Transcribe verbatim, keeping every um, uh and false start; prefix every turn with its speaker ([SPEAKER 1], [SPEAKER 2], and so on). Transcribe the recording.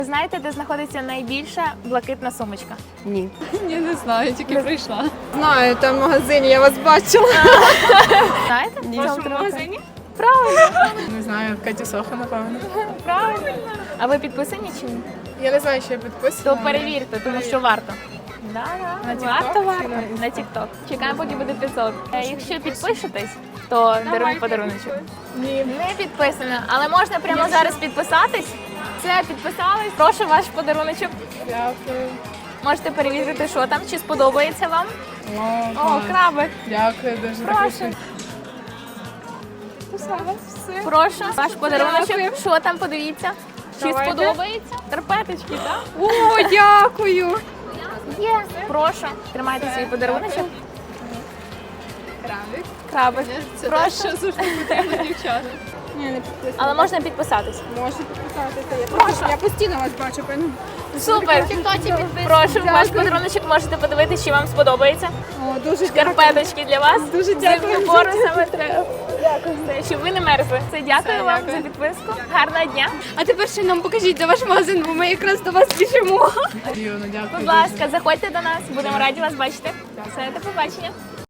[SPEAKER 1] Знаєте, де знаходиться найбільша блакитна сумочка?
[SPEAKER 2] Ні.
[SPEAKER 3] Ні, не знаю, тільки прийшла.
[SPEAKER 2] Знаю, там в магазині, я вас бачила.
[SPEAKER 1] Знаєте?
[SPEAKER 2] Ні.
[SPEAKER 1] В
[SPEAKER 2] В
[SPEAKER 1] чому
[SPEAKER 2] вашому
[SPEAKER 1] трохи?
[SPEAKER 2] магазині?
[SPEAKER 1] Правильно,
[SPEAKER 2] Не знаю, Катя Соха, напевно.
[SPEAKER 1] правильно. А ви підписані чи ні?
[SPEAKER 2] Я не знаю, що я підписана.
[SPEAKER 1] То перевірте, тому що варто. Да, да.
[SPEAKER 2] На TikTok
[SPEAKER 1] Варто,
[SPEAKER 2] чи
[SPEAKER 1] варто.
[SPEAKER 2] на Instagram?
[SPEAKER 1] На TikTok. Чекаємо, поки буде п'ятсот. Е, Якщо підпишетесь, то даруємо подаруночок.
[SPEAKER 2] Ні.
[SPEAKER 1] Не підписано, але можна прямо зараз підписатись. Все, підписались. Прошу ваш подаруночок.
[SPEAKER 2] Дякую.
[SPEAKER 1] Можете перевірити, що там, чи сподобається вам.
[SPEAKER 2] О,
[SPEAKER 1] О,
[SPEAKER 2] клас.
[SPEAKER 1] крабик.
[SPEAKER 2] Дякую дуже.
[SPEAKER 1] Прошу.
[SPEAKER 2] Все.
[SPEAKER 1] Прошу, ваш подаруночок.
[SPEAKER 2] Дякую.
[SPEAKER 1] Що там, подивіться. Чи
[SPEAKER 2] Давайте.
[SPEAKER 1] сподобається? Карпеточки, так?
[SPEAKER 2] О, дякую.
[SPEAKER 1] Є. Прошу. Тримайте свій подаруночок.
[SPEAKER 2] Крабик.
[SPEAKER 1] Крабик.
[SPEAKER 3] Це
[SPEAKER 1] Прошу.
[SPEAKER 3] те, що завжди потрібно дівчата.
[SPEAKER 2] Ні, не підписана.
[SPEAKER 1] Але можна підписатись.
[SPEAKER 2] Можу підписатися. Я, просто- я постійно вас бачу, певно.
[SPEAKER 1] Супер. Прошу, ваш подаруночок можете подивитися, чи вам сподобається.
[SPEAKER 2] О, дуже дякую.
[SPEAKER 1] Карпеточки для вас.
[SPEAKER 2] Дуже дякую.
[SPEAKER 1] Зимну пору саме треба. Дякую. Щоб ви не мерзли. Це дякую
[SPEAKER 2] Все,
[SPEAKER 1] вам
[SPEAKER 2] дякую.
[SPEAKER 1] за підписку. Гарного дня.
[SPEAKER 3] А тепер ще нам покажіть, де ваш магазин, бо ми якраз до вас біжимо.
[SPEAKER 2] Дякую, дякую.
[SPEAKER 1] Будь ласка, заходьте до нас. Будемо раді вас бачити. Все, до побачення.